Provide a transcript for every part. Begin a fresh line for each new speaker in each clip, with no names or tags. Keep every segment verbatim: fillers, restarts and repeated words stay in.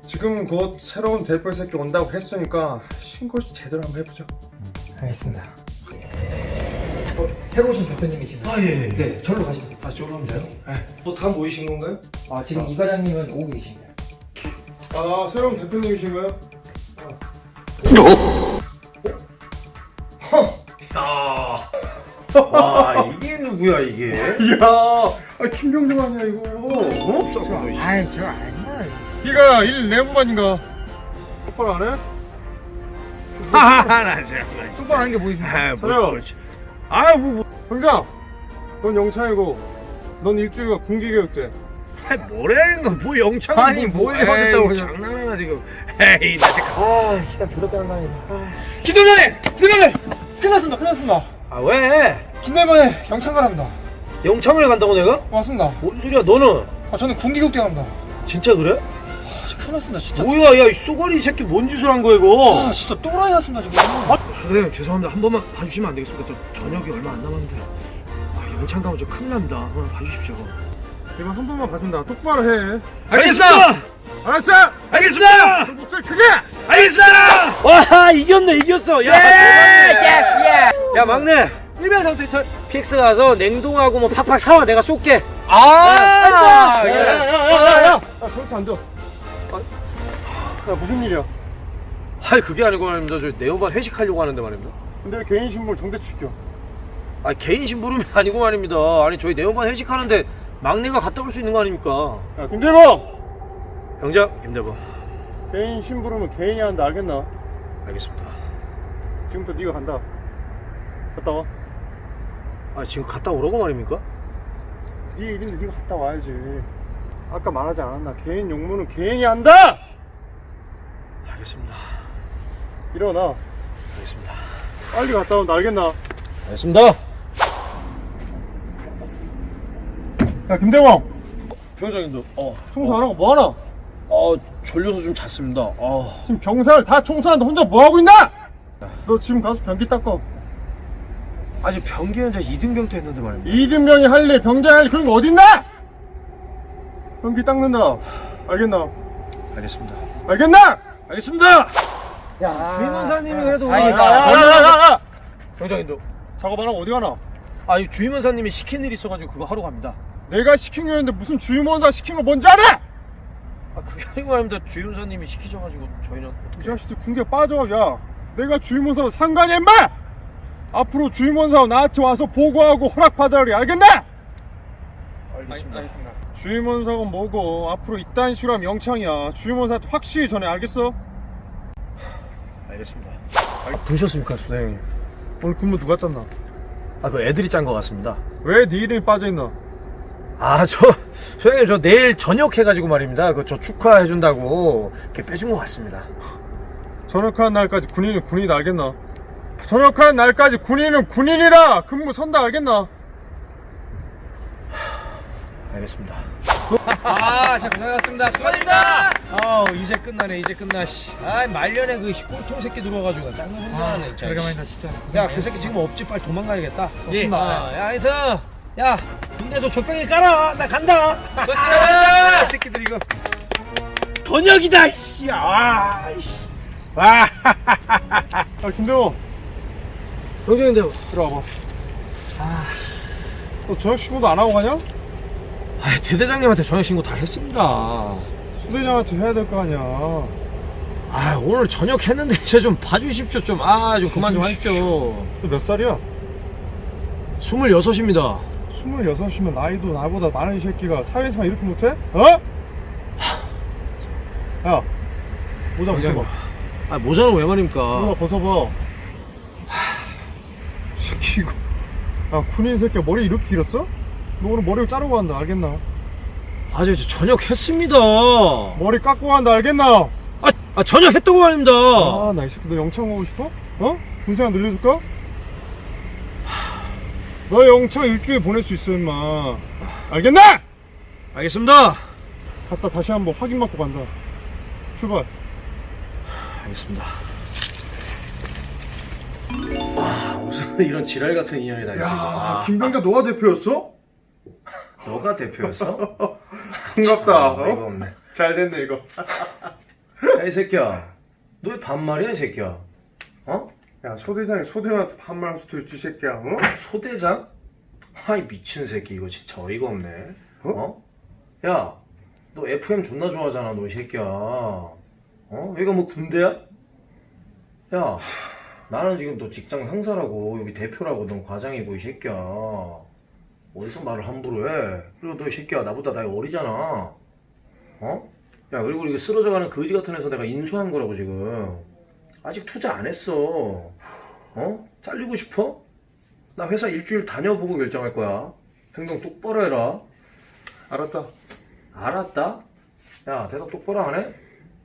지금 곧 새로운 대표 새끼 온다고 했으니까 신고 제대로 한번 해보죠.
알겠습니다. 어, 새로 오신 대표님이신가요?
아, 예, 예.
네, 절로 가시면 돼요.
아, 저로 하면 돼요? 네. 뭐 다 모이신 건가요?
아, 지금 이 과장님은 오고 계십니다.
아, 새로운 대표님이신가요?
야. 와, 이게 누구야, 이게?
이야, 아, 김병정 아니야 이거?
어? 썩어, 씨.
아이, 저 아니야.
네가 일 내무반인가? 똑바로 안 해?
하하하, 나 진짜. 나 진짜.
똑바로 하는 게 뭐 있습니까?
아, 뭐,
그래요.
그렇지. 아, 뭐, 뭐.
병장, 넌 영창이고 넌 일주일간 군기교육대.
아, 뭐라는 건, 뭐, 영창.
아니, 뭘 받았다고 그냥.
장난하나, 지금. 에이, 나 지금.
아, 시간 더럽게 안 가네. 아,
기도전에! 기도전에! 끝났습니다 끝났습니다.
아, 왜?
김내반에 영창 가랍니다.
영창을 간다고 내가?
맞습니다.
뭔 소리야, 너는?
아, 저는 군기교육대 갑니다.
진짜 그래?
아, 진짜 큰일 났습니다 진짜.
뭐야, 야, 이 쏘가리 이 새끼 뭔 짓을 한 거야, 이거?
아, 진짜 또라이 났습니다 지금.
아, 선생님 죄송합니다. 한 번만 봐주시면 안 되겠습니까? 저 저녁이 얼마 안 남았는데 아, 영창 가면 저 큰일 납니다. 한번 봐주십시오.
이번 한 번만 봐준다. 똑바로 해.
알겠습니다.
알았어!
알겠습니다.
목소리 크게!
알겠습니다. 와, 이겼네, 이겼어. 야, 대박이다. 야, 막내.
일명 상태철.
피엑스 가서 냉동하고 뭐 팍팍 사와. 내가 쏠게.
아,
야,
예.
야,
야야야야! 야, 저렇게 안 돼. 야, 무슨 일이야?
아이, 그게 아니고 말입니다. 저 네오반 회식하려고 하는데 말입니다.
근데 왜 개인 신분 정대 지켜?
아, 개인 심부름이 아니고 말입니다. 아니, 저희 네오반 회식하는데 막내가 갔다 올 수 있는 거 아닙니까?
야, 김대범!
병장 김대범.
개인 심부름은 개인이 한다, 알겠나?
알겠습니다.
지금부터 네가 간다. 갔다 와.
아, 지금 갔다 오라고 말입니까?
네 일인데 네가 갔다 와야지. 아까 말하지 않았나? 개인 용무는 개인이 한다!
알겠습니다.
일어나.
알겠습니다.
빨리 갔다 온다, 알겠나?
알겠습니다.
야, 김대범!
병장님도 어,
청소 안 하고 뭐 하나?
어 졸려서 좀 잤습니다. 어.
지금 병사를 다 청소하는데 혼자 뭐 하고 있나? 너 지금 가서 변기 닦어.
아직 병기는 저 이등병 때 했는데 말입니다.
이등병이 할 일, 병장이 할 일, 그런 거 어딨나? 변기 닦는다. 알겠나?
알겠습니다.
알겠나?
알겠습니다.
야,
주임원사님이 그래도
아니,
아,
나-
아, 아, 아. 병장님도
작업 안 하고 어디 가나?
아, 이 주임원사님이 시킨 일이 있어가지고 그거 하러 갑니다.
내가 시킨 거였는데 무슨 주임원사 시킨 거 뭔지 알아?
아, 그게 아니고 말입니다. 주임원사님이 시키셔가지고 저희는
이
어떻게?
자식들 군대 빠져. 야, 내가 주임원사하고 상관이 임마! 앞으로 주임원사하고 나한테 와서 보고하고 허락받아야 해, 알겠나?
알겠습니다.
주임원사가 뭐고 앞으로 이딴 식으로 하면 영창이야. 주임원사한테 확실히 전해, 알겠어?
알겠습니다. 부르셨습니까, 소장님?
오늘 근무 누가 짰나?
아, 그 애들이 짠 것 같습니다.
왜 네 이름이 빠져있나?
아, 저 소장님 저 내일 저녁 해가지고 말입니다. 그 저 축하해준다고 이렇게 빼준 것 같습니다.
전역하는 날까지 군인은 군인이다, 알겠나? 전역하는 날까지 군인은 군인이다! 근무 선다, 알겠나?
알겠습니다.
아, 진짜 고생하셨습니다. 수고하셨습니다.
아, 이제 끝나네, 이제 끝나. 씨. 아, 말년에 그 꼴통 새끼 들어와가지고 짱나 혼나네. 진짜.
오래간만이다, 진짜.
야, 그 새끼 지금 없지. 빨리 도망가야겠다.
예.
아, 야, 하여튼, 야, 군대에서 족뱅이 깔아. 나 간다.
고생하셨습니다.
이 새끼들 이거 번역이다, 이씨. 아, 이씨. 와.
아, 김대호,
병장인데,
들어와봐. 너 저녁 신고도 안 하고 가냐?
아, 대대장님한테 저녁 신고 다 했습니다.
소대장한테 해야 될 거 아니야.
아, 오늘 저녁 했는데 이제 좀 봐주십시오. 좀, 아, 좀 그만 좀 하십시오.
너 몇 살이야?
스물여섯입니다.
스물여섯이면 나이도 나보다 많은 이 새끼가 사회생활 이렇게 못해? 어? 야, 모자 벗어봐.
아, 모자는 왜 말입니까?
모자 벗어봐. 새끼 이거. 야, 군인 새끼가 머리 이렇게 길었어? 너 오늘 머리를 자르고 간다, 알겠나?
아, 저, 저 저녁 했습니다.
머리 깎고 간다, 알겠나?
아, 아, 저녁 했다고 말입니다.
아, 나 이 새끼 너 영창 오고 싶어? 어? 군생활 늘려줄까? 너 영창 일주일 보낼 수 있어, 임마. 알겠나?
알겠습니다.
갔다 다시 한번 확인 받고 간다. 출발.
알겠습니다. 와, 무슨 이런 지랄 같은 인연이 다 있어.
야, 김병자 너가 대표였어?
너가 대표였어?
반갑다.
어이가 없네.
잘 됐네, 이거.
야, 이 새끼야. 너 왜 반말이야, 이 새끼야? 어?
야, 소대장이 소대장한테 반말할 수도 있지, 이 새끼야. 어?
소대장? 아이, 미친 새끼. 이거 진짜 어이가 없네. 어? 야, 너 에프엠 존나 좋아하잖아, 너 이 새끼야. 어? 여기가 뭐 군대야? 야, 나는 지금 너 직장 상사라고, 여기 대표라고, 넌 과장이고, 이 새끼야. 어디서 말을 함부로 해? 그리고 너 이 새끼야, 나보다 나이 어리잖아. 어? 야, 그리고 이거 쓰러져가는 거지 같은 애서 내가 인수한 거라고, 지금. 아직 투자 안 했어. 어? 잘리고 싶어? 나 회사 일주일 다녀보고 결정할 거야. 행동 똑바로 해라.
알았다.
알았다? 야, 대답 똑바로 안 해?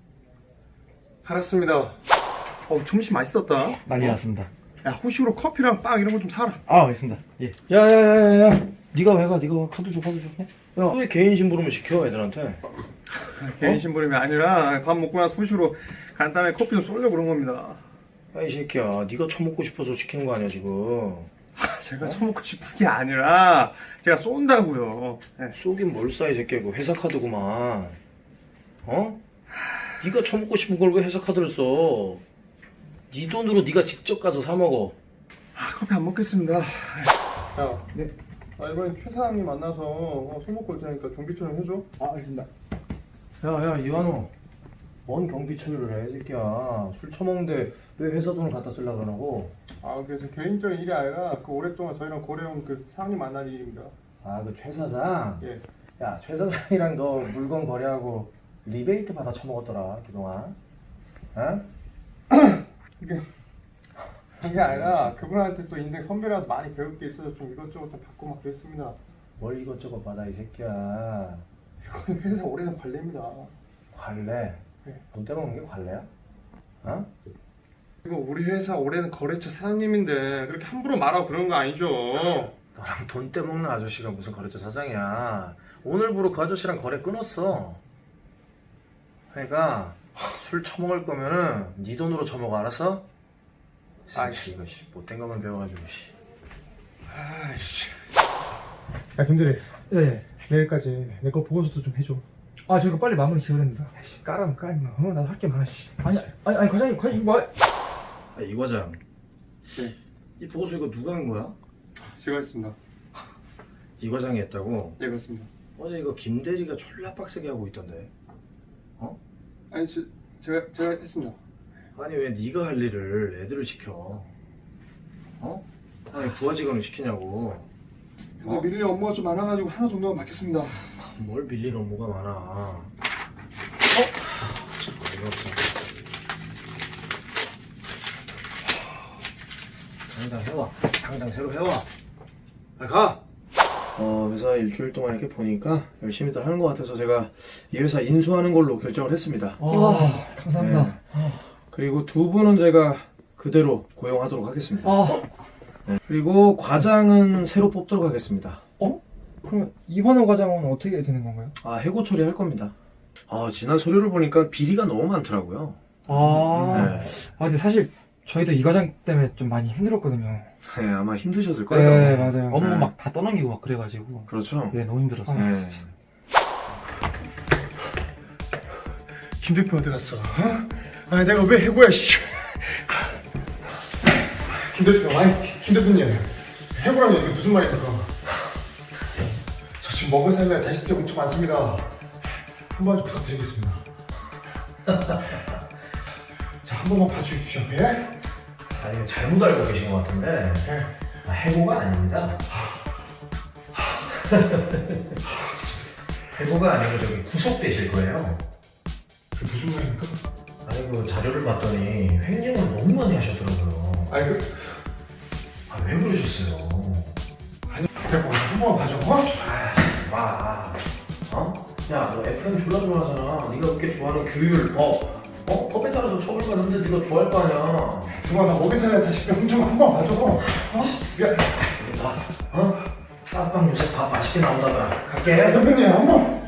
알았습니다. 어, 점심 맛있었다.
난리 났습니다.
야, 호시로 커피랑 빵 이런 거 좀 사라.
아, 알겠습니다. 예.
야야야야야, 네가 왜 가? 네가 가. 카드 줘, 카드 줘. 야, 너 왜 개인 심부름을 시켜 애들한테?
개인 심부름이 아니라 밥 먹고 나서 호시로 간단하게 커피 좀 쏠려고 그런 겁니다.
야, 이 새끼야, 네가 처먹고 싶어서 시키는 거 아니야 지금?
아, 제가 처먹고 싶은 게 아니라 제가 쏜다고요. 네.
쏘긴 뭘 싸, 이 새끼야. 이거 회사 카드구만. 어? 네가 처먹고 싶은 걸 왜 회사 카드를 써? 네 돈으로 네가 직접 가서 사 먹어.
아, 커피 안 먹겠습니다. 야, 네. 아, 이번엔 최 사장님 만나서 어, 술 먹고 올 테니까 경비 처리 해줘.
아, 알겠습니다.
야야, 이완호, 뭔 경비 처리를 해, 이 새끼야. 술 처먹는데 왜 회사 돈을 갖다 쓰려고 그러고?
아, 그래서 개인적인 일이 아니라 그 오랫동안 저희랑 거래해온 그 사장님 만난 일입니다.
아, 그 최 사장?
예.
야, 최 사장이랑 너 물건 거래하고 리베이트 받아 처먹었더라, 그동안. 어?
이게 그게 아니라 그분한테 또 인생 선배라서 많이 배울 게 있어서 좀 이것저것 좀 받고 막 그랬습니다.
뭘 이것저것 받아, 이 새끼야.
이건 회사 오래된 관례입니다.
관례?
네.
돈 떼먹는 게 관례야? 어?
이거 우리 회사 오래된 거래처 사장님인데 그렇게 함부로 말하고 그런 거 아니죠?
너랑 돈 떼먹는 아저씨가 무슨 거래처 사장이야. 오늘부로 그 아저씨랑 거래 끊었어. 그러니까 술 처먹을 거면은 네 돈으로 처먹어, 알았어? 아이씨, 이거 씨, 못된 것만 배워가지고 씨.
아이씨. 야, 김대리.
예, 예.
내일까지 내 거 보고서도 좀 해줘.
아, 저희가 빨리 마무리 지어야 됩니다.
아이씨, 까라면 까, 임마. 어, 나도 할 게 많아, 씨.
아니, 아니, 아니, 과장님, 과장님, 뭐.
아, 이 과장.
네.
이 보고서 이거 누가 한 거야?
제가 했습니다.
이 과장이 했다고?
네, 그렇습니다.
어제 이거 김대리가 졸라 빡세게 하고 있던데. 어?
아니, 저, 제가, 제가 했습니다.
아니 왜 네가 할 일을 애들을 시켜? 어? 아니 부하 직원을 시키냐고.
근데 밀릴 업무가 좀 많아가지고 하나 정도만 맡겠습니다.
뭘 밀릴 업무가 많아. 어? 참 어이가 없어. 당장 해와. 당장 새로 해와. 빨리 가. 어, 회사 일주일 동안 이렇게 보니까 열심히들 하는 것 같아서 제가 이 회사 인수하는 걸로 결정을 했습니다.
아, 감사합니다.
네. 그리고 두 분은 제가 그대로 고용하도록 하겠습니다.
아,
네. 그리고 과장은 새로 뽑도록 하겠습니다.
어? 그럼 이환호 과장은 어떻게 되는 건가요?
아, 해고 처리할 겁니다. 아, 지난 서류를 보니까 비리가 너무 많더라고요.
아,
네.
아, 근데 사실 저희도 이 과장 때문에 좀 많이 힘들었거든요.
네, 아마 힘드셨을 거예요.
네, 맞아요. 업무
네.
막 다 떠넘기고 막 그래가지고.
그렇죠.
예, 너무 힘들었어요.
네.
김 대표 어디 갔어? 어? 아니, 내가 왜 해고야, 씨. 김 대표, 아니, 김 대표님. 해고라니 이게 무슨 말입니까? 저 지금 먹은 살이랑 자식들 엄청 많습니다. 한 번 좀 부탁드리겠습니다. 자, 한 번만 봐주십시오, 예?
아, 이거 잘못 알고 계신 것 같은데.
예.
아, 해고가 아닙니다. 해고가 아니고 저기 구속되실 거예요.
그게 무슨 말입니까?
아니, 그 자료를 봤더니 횡령을 너무 많이 하셨더라고요.
아니, 그,
아, 왜 그러셨어요?
아니, 대표, 한 번만 봐줘, 어?
아, 마. 어? 야, 너 에프엠 졸라 좋아하잖아. 네가 그렇게 좋아하는 규율, 법. 어? 법에 따라서 처벌받는데 네가 좋아할 거 아니야.
대박, 나 먹은 살이랑 자식들 엄청 한 번 봐줘. 어? 미안.
밥, 어? 쌈빵 요새 밥 맛있게 나온다더라. 갈게.
대표님, 한 번.